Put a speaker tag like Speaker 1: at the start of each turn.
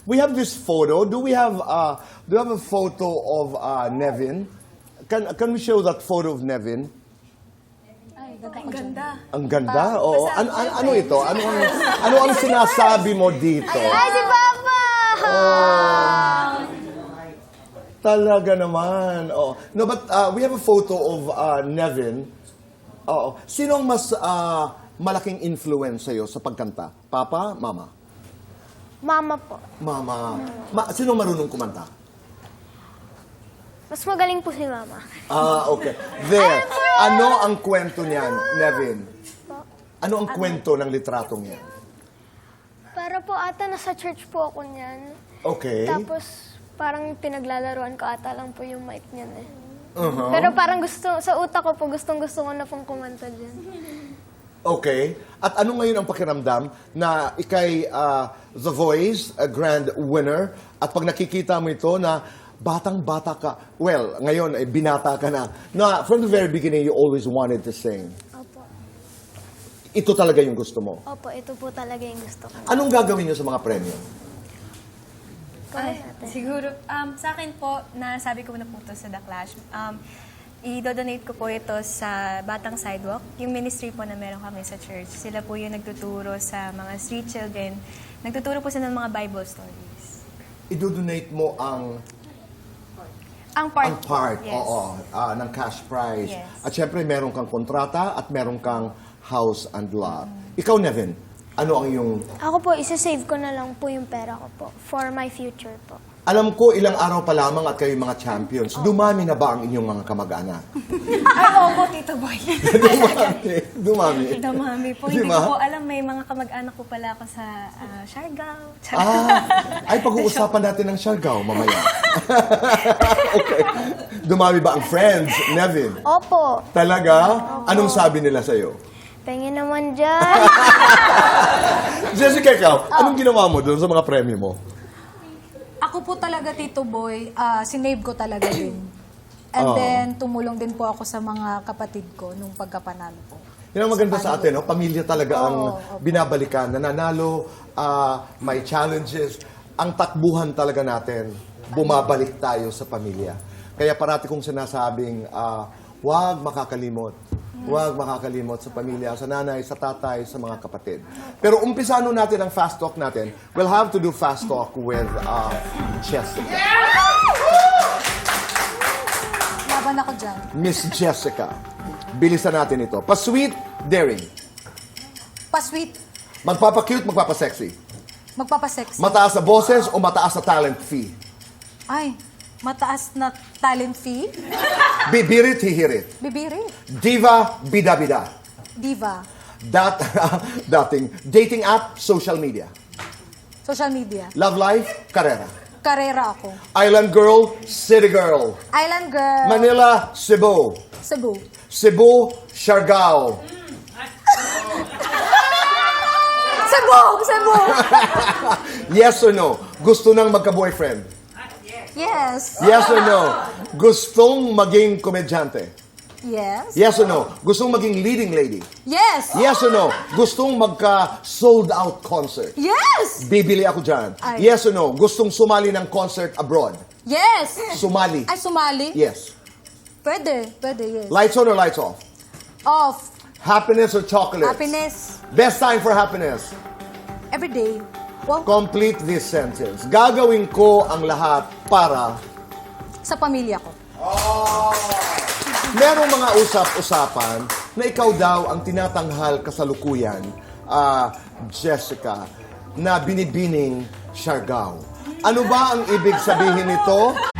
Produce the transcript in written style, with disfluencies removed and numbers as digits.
Speaker 1: We have this photo. Do we have a photo of Nevin? Can we show that photo of Nevin?
Speaker 2: Ay, ganda.
Speaker 1: Ang ganda? Oo. Ano ito? Ano ang sinasabi mo dito?
Speaker 3: Ay, si Papa!
Speaker 1: Talaga naman. Oh. No, but we have a photo of Nevin. Oo. Sino ang mas malaking influence sa'yo sa pagkanta? Papa? Mama?
Speaker 3: Mama po.
Speaker 1: Mama. Sino marunong kumanta?
Speaker 3: Mas magaling po si Mama.
Speaker 1: Okay. There. Ano ang kwento niyan, Nevin? Ano ang kwento ng litratong yan?
Speaker 3: Para po ata nasa church po ako niyan.
Speaker 1: Okay.
Speaker 3: Tapos parang pinaglalaroan ko ata lang po yung mic niyan eh.
Speaker 1: Uh-huh.
Speaker 3: Pero parang sa utak ko po, gustong-gusto ko na pong kumanta dyan.
Speaker 1: Okay. At ano ngayon ang pakiramdam na ikay The Voice, a grand winner, at pag nakikita mo ito na batang-bata ka, well, ngayon ay binata ka na from the very beginning you always wanted to sing.
Speaker 3: Opo.
Speaker 1: Ito talaga yung gusto mo.
Speaker 3: Opo, ito po talaga yung gusto ko.
Speaker 1: Anong gagawin niyo sa mga premyo?
Speaker 2: Ay, siguro, sa akin po, nasabi ko na po ito sa The Clash, i-donate ko po ito sa Batang Sidewalk, yung ministry po na meron kami sa church. Sila po yung nagtuturo sa mga street children. Nagtuturo po sila ng mga Bible stories.
Speaker 1: I-donate mo ang part,
Speaker 2: yes.
Speaker 1: oo, ng cash prize.
Speaker 2: Yes.
Speaker 1: At syempre, meron kang kontrata at meron kang house and lot. Ikaw, Nevin, ano ang iyong...
Speaker 3: Ako po, isa-save ko na lang po yung pera ko po for my future po.
Speaker 1: Alam ko, ilang araw pa lamang at kayo mga champions. Dumami na ba ang inyong mga kamag-anak?
Speaker 2: Ay, oo, Tito Boy.
Speaker 1: Dumami.
Speaker 2: Dumami po.
Speaker 1: Di
Speaker 2: Hindi
Speaker 1: ba?
Speaker 2: ko po alam, may mga kamag-anak ko pala ako sa Siargao.
Speaker 1: Ay, pag-uusapan natin ng Siargao mamaya. Okay. Dumami ba ang friends, Nevin?
Speaker 3: Opo.
Speaker 1: Talaga? Anong sabi nila sa'yo?
Speaker 3: Pengen naman dyan.
Speaker 1: Jessica, ikaw, anong ginawa mo doon sa mga premyo mo?
Speaker 4: Ako po talaga, Tito Boy, sinave ko talaga din. And then, tumulong din po ako sa mga kapatid ko nung pagkapanalo po.
Speaker 1: Yan ang maganda sa atin, no? Pamilya talaga ang
Speaker 4: Opo.
Speaker 1: binabalikan. Nananalo, may challenges. Ang takbuhan talaga natin, bumabalik tayo sa pamilya. Kaya parati kong sinasabing, huwag makakalimot. Huwag makakalimot sa pamilya, sa nanay, sa tatay, sa mga kapatid. Pero umpisano natin ang fast talk natin. We'll have to do fast talk with Jessica.
Speaker 4: Laban ako dyan.
Speaker 1: Miss Jessica. Bilisan natin ito. Pa-sweet, daring.
Speaker 4: Pa-sweet,
Speaker 1: Magpapa-cute, magpapa-sexy.
Speaker 4: magpapasexy.
Speaker 1: Mataas na boses o mataas na talent fee?
Speaker 4: Ay, mataas na talent fee.
Speaker 1: Bibirit, hihirit.
Speaker 4: Bibiri.
Speaker 1: Diva, bida-bida.
Speaker 4: Diva.
Speaker 1: Dating dating app, social media.
Speaker 4: Social media.
Speaker 1: Love life, karera.
Speaker 4: Karera ako.
Speaker 1: Island girl, city girl.
Speaker 4: Island girl.
Speaker 1: Manila, Cebu.
Speaker 4: Cebu.
Speaker 1: Cebu, Siargao.
Speaker 4: Cebu! Cebu!
Speaker 1: Yes or no? Gusto nang magka-boyfriend?
Speaker 4: Yes.
Speaker 1: Yes or no? Gustong maging komedyante?
Speaker 4: Yes.
Speaker 1: Yes or no? Gustong maging leading lady?
Speaker 4: Yes.
Speaker 1: Yes or no? Gustong magka-sold-out concert?
Speaker 4: Yes.
Speaker 1: Bibili ako dyan.
Speaker 4: Ay.
Speaker 1: Yes or no? Gustong sumali ng concert abroad?
Speaker 4: Yes.
Speaker 1: Sumali?
Speaker 4: Ay, sumali?
Speaker 1: Yes.
Speaker 4: Pwede. Pwede, yes.
Speaker 1: Lights on or lights off?
Speaker 4: Off.
Speaker 1: Happiness or chocolates?
Speaker 4: Happiness.
Speaker 1: Best time for happiness?
Speaker 4: Every day. Wow.
Speaker 1: Complete this sentence. Gagawin ko ang lahat para...
Speaker 4: Sa pamilya ko.
Speaker 1: Merong mga usap-usapan na ikaw daw ang tinatanghal kasalukuyan, Jessica, na binibining Siargao. Ano ba ang ibig sabihin nito?